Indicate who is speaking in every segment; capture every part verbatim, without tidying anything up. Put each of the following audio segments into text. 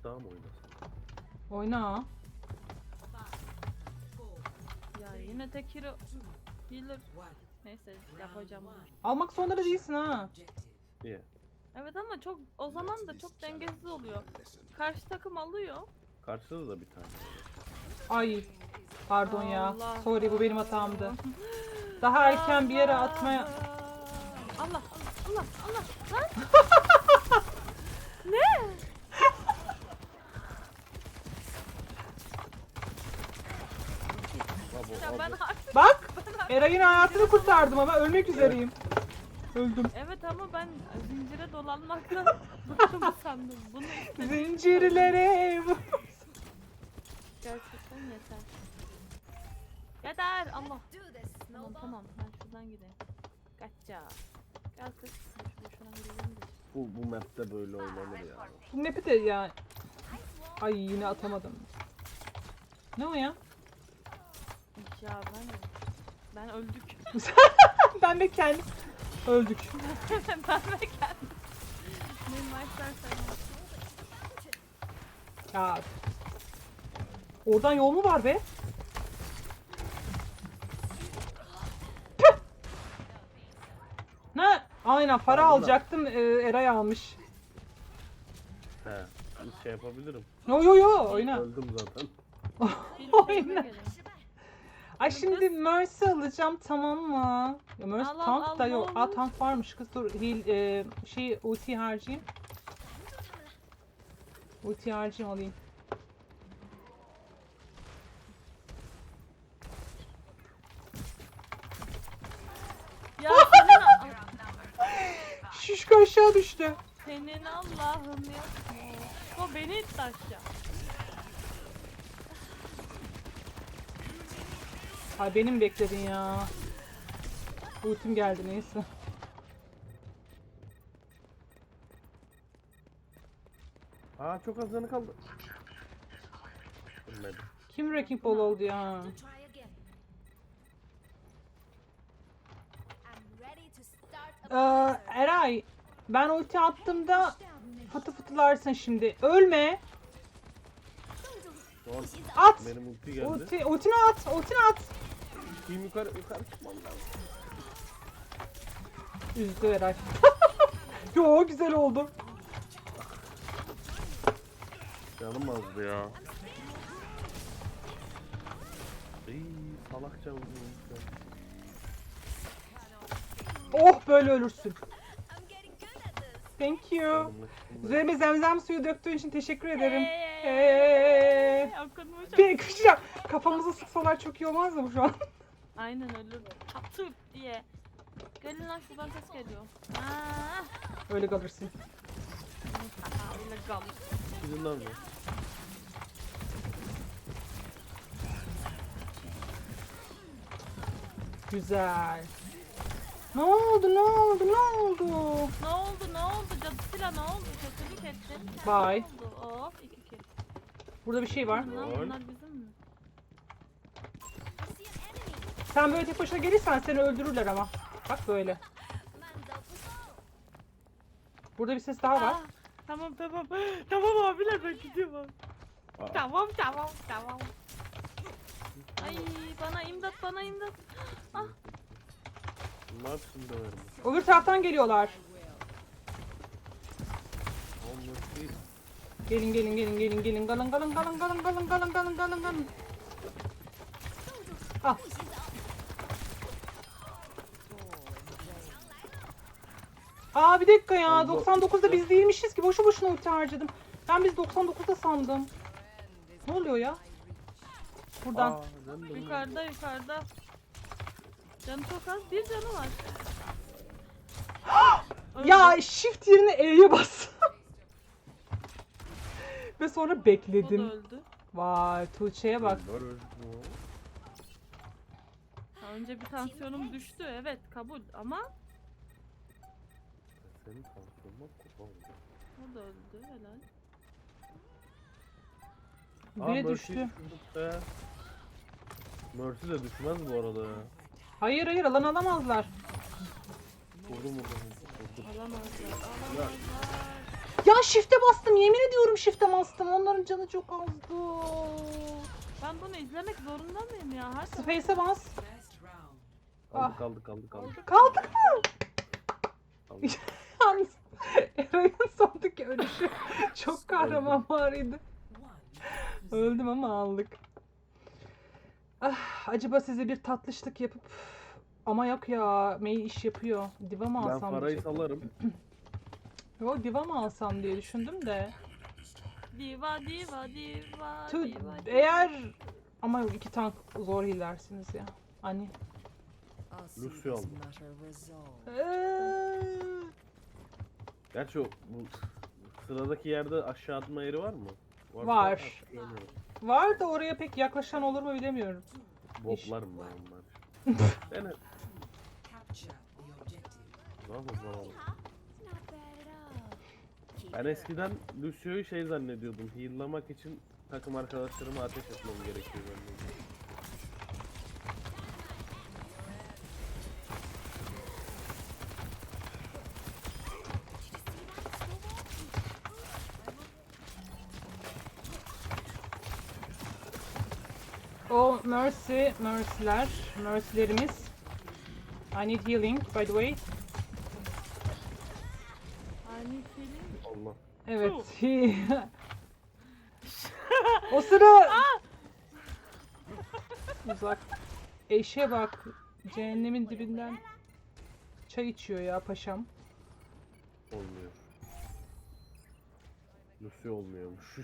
Speaker 1: daha mı oynasın?
Speaker 2: Oyna.
Speaker 3: Ya yine tek hero healer. Neyse yapacağım bunu.
Speaker 2: Almak zorunda da değilsin ha.
Speaker 1: İyi.
Speaker 3: Evet ama çok o zaman da çok dengesiz oluyor. Karşı takım alıyor.
Speaker 1: Karşıda da bir tane var.
Speaker 2: Ay. Pardon ya.
Speaker 3: Allah.
Speaker 2: Sorry, bu benim hatamdı. Daha erken bir yere atmaya...
Speaker 3: Allah Allah Allah Allah lan. Ne?
Speaker 1: Abo,
Speaker 3: Ya ben
Speaker 1: abo.
Speaker 3: artık
Speaker 2: Bak! Eray'ın hayatını kurtardım ama ölmek üzereyim. Öldüm.
Speaker 3: evet ama ben zincire dolanmaktan bıktım sandım. Bunu istedim.
Speaker 2: Zincirlere...
Speaker 3: Gerçekten yeter. Yeter Allah. Tamam tamam ben şuradan gideyim. Kaçça. Gel kız. Şuradan gidelim de.
Speaker 1: Bu, bu map'te böyle oynanır ya.
Speaker 2: Bu map'i de ya... Ay yine atamadım. Ne o ya?
Speaker 3: Ya ben ben öldük.
Speaker 2: Ben de kendim... Öldük.
Speaker 3: ben de kendim. Ne maçlar sen.
Speaker 2: Ya. Oradan yol mu var be? Püh! Ne? Aynen para
Speaker 1: Aldılar.
Speaker 2: alacaktım. Ee, Eray almış.
Speaker 1: He. Bir şey yapabilirim.
Speaker 2: Yo yo yo oyna.
Speaker 1: Öldüm zaten.
Speaker 3: Bir
Speaker 2: Oyna.
Speaker 3: kelime gelin.
Speaker 2: Ay şimdi Mercy alacağım, tamam mı? Ya Mercy
Speaker 3: Al, al,
Speaker 2: tank
Speaker 3: al,
Speaker 2: da
Speaker 3: ne
Speaker 2: yok. Aa
Speaker 3: olur.
Speaker 2: tank varmış kız, dur heal e, şey ulti harcayayım. Ulti harcayayım alayım.
Speaker 3: Ya senin,
Speaker 2: Şişko aşağı düştü.
Speaker 3: senin Allah'ım ya. O beni itti aşağı.
Speaker 2: Ay benim bekledin ya. Ultim geldi neyse.
Speaker 1: Aa çok az canı kaldı. Ölmedim.
Speaker 2: Kim Wrecking Ball oldu ya? Ee, Eray, ben ulti attığımda fıtı fıtılarsın şimdi. Ölme.
Speaker 1: Doğru.
Speaker 2: At.
Speaker 1: Benim ulti geldi.
Speaker 2: Ulti, ultini at. Ultini at.
Speaker 1: Kim yukarı yukarı çıkmam lazım.
Speaker 2: Üzdü Eray. Yo güzel oldu.
Speaker 1: Canım azdı ya. İyi salakça vurdum.
Speaker 2: Oh böyle ölürsün. Thank you. Üzerime zemzem suyu döktüğün için teşekkür ederim. Eee.
Speaker 3: Okunmuş.
Speaker 2: Bir kışacağım. Kafamızı sıksalar çok iyi olmaz mı şu an?
Speaker 3: Aynen ölür. Çatır diye. Gelin lan şuradan ses geliyor. Aa,
Speaker 2: Öyle kalırsın.
Speaker 3: öyle kalır.
Speaker 1: Gidin lan be.
Speaker 2: Güzel. Ne oldu ne oldu ne oldu?
Speaker 3: Ne oldu ne oldu cadısıyla ne oldu? Kötülük ettin.
Speaker 2: Bye.
Speaker 3: Ne oldu? Of iki kill.
Speaker 2: Burada bir şey var.
Speaker 3: Lan
Speaker 1: Lol.
Speaker 3: bunlar bizim mi?
Speaker 2: Sen böyle tek başına gelirsen seni öldürürler ama. Bak böyle. Burada bir ses daha var.
Speaker 3: Aa, tamam tamam. Tamam abiler ben gidiyorum.
Speaker 1: Aa,
Speaker 3: Tamam tamam tamam. Ay bana imdat bana imdat. Ah.
Speaker 1: ne yapsın döverim.
Speaker 2: Öbür taraftan geliyorlar.
Speaker 1: Olmaz değil.
Speaker 2: Gelin gelin gelin gelin gelin. Galın galın galın galın galın galın galın galın galın. Al. Aa bir dakika ya.
Speaker 1: Allah.
Speaker 2: doksan dokuzda biz değilmişiz ki. Boşu boşuna ulti harcadım. Ben biz doksan dokuzda sandım. Ne oluyor ya? Buradan.
Speaker 1: Aa, ben de
Speaker 3: Yukarıda yukarıda. Canı çok az bir canı var. Öldü.
Speaker 2: Ya shift yerine E'ye bas. Ve sonra
Speaker 3: O da
Speaker 2: bekledim.
Speaker 3: öldü.
Speaker 2: Vay Tuğçe'ye bak.
Speaker 1: Ölür bu.
Speaker 3: Ha, önce bir tansiyonum düştü evet kabul ama
Speaker 1: Senin tansiyonun kupa oldu.
Speaker 3: o da öldü helal.
Speaker 1: Aa,
Speaker 2: Biri
Speaker 1: Mercy
Speaker 2: düştü.
Speaker 1: düşürdük be. Mercy de düşmez bu arada ya.
Speaker 2: Hayır hayır alan alamazlar.
Speaker 1: Vurdum vurdum vurdum.
Speaker 3: Alamazlar alamazlar.
Speaker 2: Ya shift'e bastım. Yemin ediyorum shift'e bastım. Onların canı çok azdı.
Speaker 3: Ben bunu izlemek zorunda mıyım ya? Hadi.
Speaker 2: Space'e bas.
Speaker 1: Kaldı
Speaker 2: Ah.
Speaker 1: kaldı kaldı kaldı.
Speaker 2: Kaldık mı?
Speaker 1: kaldı.
Speaker 2: Yalnız Eray'ın sondaki ölüşü çok kahramanvarıydı. Öldüm ama aldık. Ah, acaba size bir tatlışlık yapıp ama yok ya, May iş yapıyor. Diva mı
Speaker 1: Ben
Speaker 2: alsam
Speaker 1: parayı
Speaker 2: diyecektim.
Speaker 1: salarım.
Speaker 2: Yo, diva mı alsam diye düşündüm de.
Speaker 3: Diva diva diva
Speaker 2: Tü,
Speaker 3: diva.
Speaker 2: eğer ama yok, iki tank zor hilersiniz ya. Hani.
Speaker 1: Lucio aldım.
Speaker 2: Eee,
Speaker 1: Gerçi o bu sıradaki yerde aşağı atma yeri var mı? Varsa
Speaker 2: Var.
Speaker 1: hatırlamıyorum.
Speaker 2: var da oraya pek yaklaşan olur mu bilemiyorum.
Speaker 1: Botlarım ben onlar. Dene. Ne yapalım oğlum? Ben eskiden Lucio'yu şey zannediyordum. Heal'lamak için takım arkadaşlarıma ateş etmem gerekiyor zannediyordum.
Speaker 2: O Mercy, Mercy'ler, Mercy'lerimiz. I need healing by the way.
Speaker 3: Ani film.
Speaker 1: Allah.
Speaker 2: Evet. O sıra uzak. Eşe bak. Cehennemin dibinden çay içiyor ya paşam.
Speaker 1: Olmuyor. Lucio olmuyormuş.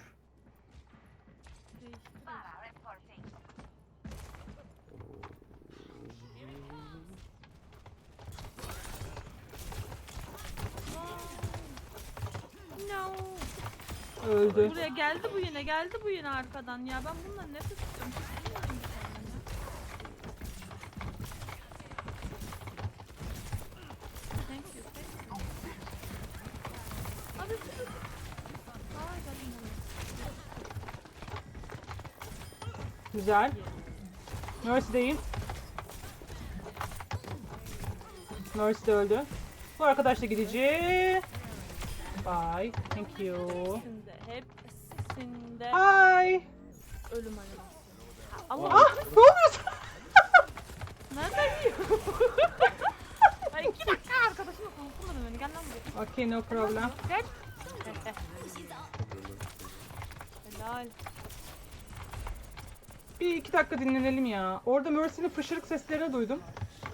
Speaker 3: No.
Speaker 2: Öldü.
Speaker 3: Buraya geldi bu yine, geldi bu yine arkadan ya. Ben bundan nefret istiyorum. Bilmiyorum bir tane ya. Thank you, thank you. Abi sus. Ay geldim
Speaker 2: Güzel. Mercy'deyim. Mercy de öldü. Bu arkadaş da gidici. Bye. Thank you.
Speaker 3: Hepsinde, hepsinde
Speaker 2: Hi.
Speaker 3: ölüm animasyonu. Allah
Speaker 2: Ah, ne oluyor?
Speaker 3: nereden yiyor? Ay iki dakika arkadaşımla konuşturmadım beni. Gel lan buraya.
Speaker 2: Okay, no problem.
Speaker 3: Gel. Helal.
Speaker 2: Bir iki dakika dinlenelim ya. Orada Mercy'nin fışırık seslerini duydum.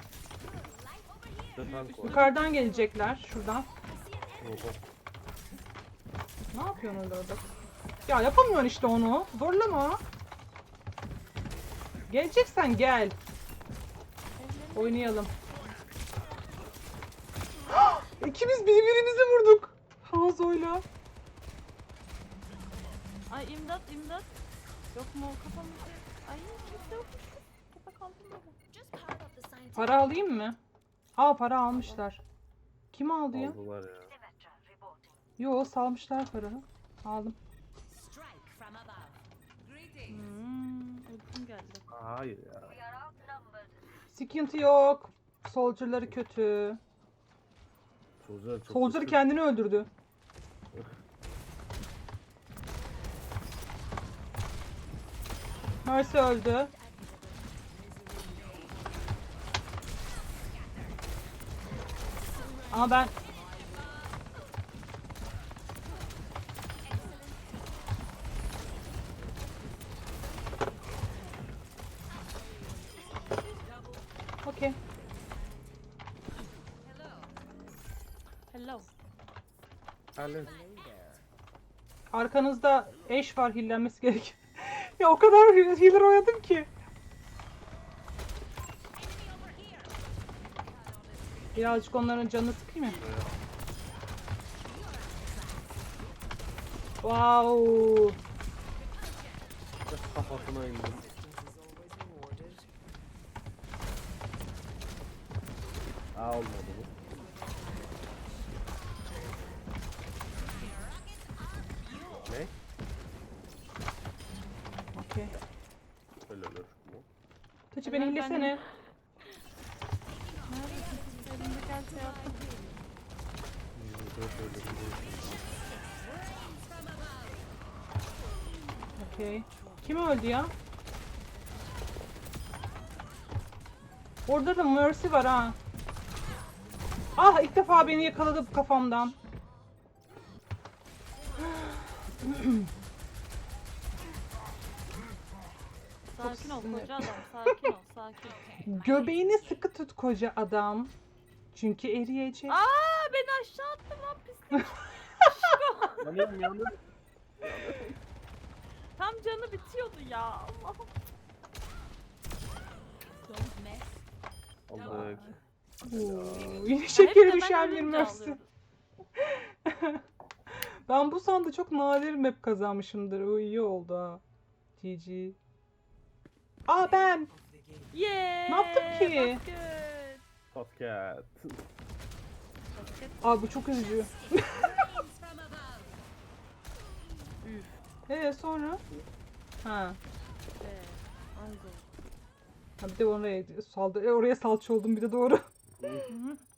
Speaker 1: İşte tank var.
Speaker 2: Yukarıdan gelecekler. Şuradan.
Speaker 1: Oho.
Speaker 2: Ne yapıyorsun orada orada? Ya yapamıyorsun işte onu. Zorlama. Geleceksen gel. Oynayalım. İkimiz birbirimizi vurduk. Hanzo'yla.
Speaker 3: Ay imdat imdat. Yok mu kafamı? Ay kimse yokmuş. Kafa kaldım böyle.
Speaker 2: Para alayım mı? Aa, para almışlar. Kim aldı ya?
Speaker 1: Aldılar ya.
Speaker 2: Yo, salmışlar paranı. Aldım.
Speaker 3: Hmm, uykum geldi.
Speaker 1: Hayır ya.
Speaker 2: Sıkıntı yok. Soldier'ları kötü.
Speaker 1: Soldier çok
Speaker 2: Soldier
Speaker 1: kötü.
Speaker 2: kendini öldürdü. Mercy öldü. Ama ben okey.
Speaker 3: Hello.
Speaker 1: Alo.
Speaker 2: Arkanızda eş var, hillenmesi gerek. Ya o kadar healer oynadım ki. Birazcık onların canını sıkayım mı? Wow.
Speaker 1: Kafasına indim. Aa, olmadı bu. Ne?
Speaker 2: Okey.
Speaker 1: Öyle olur mu?
Speaker 2: Tuğçe beni
Speaker 3: Ben-
Speaker 2: hillesene.
Speaker 3: Neredesin? Elimde gel şey yaptım.
Speaker 1: Yüzde öyle bir şey.
Speaker 2: Okey. Kim öldü ya? Orada da Mercy var ha. Ah, ilk defa beni yakaladı kafamdan.
Speaker 3: Sakin ol
Speaker 2: sinir.
Speaker 3: koca adam. Sakin ol sakin.
Speaker 2: Göbeğini sıkı tut koca adam. Çünkü eriyecek.
Speaker 3: Aa beni aşağı attı lan pislik.
Speaker 1: Yanıyorum yanıyorum.
Speaker 3: Tam canı bitiyordu ya. Allah'ım.
Speaker 1: Aldık.
Speaker 2: Oo, yine
Speaker 3: Hep
Speaker 2: şekeri
Speaker 3: de ben
Speaker 2: düşen bir
Speaker 3: ölünce
Speaker 2: Mercy.
Speaker 3: alıyorum.
Speaker 2: Ben bu sanda çok nadir map kazanmışımdır. O iyi oldu ha. G G. Aa ben.
Speaker 3: Yeah.
Speaker 2: Ne yaptım ki?
Speaker 3: Basket.
Speaker 1: Podcast.
Speaker 3: Basket.
Speaker 2: Aa bu çok üzücü.
Speaker 3: Üf.
Speaker 2: Ee sonra? Ha.
Speaker 3: Be. Anzo.
Speaker 2: Ha bir de oraya saldı. e, oraya salça oldum bir de doğru.
Speaker 1: Hı.
Speaker 3: Hı hı.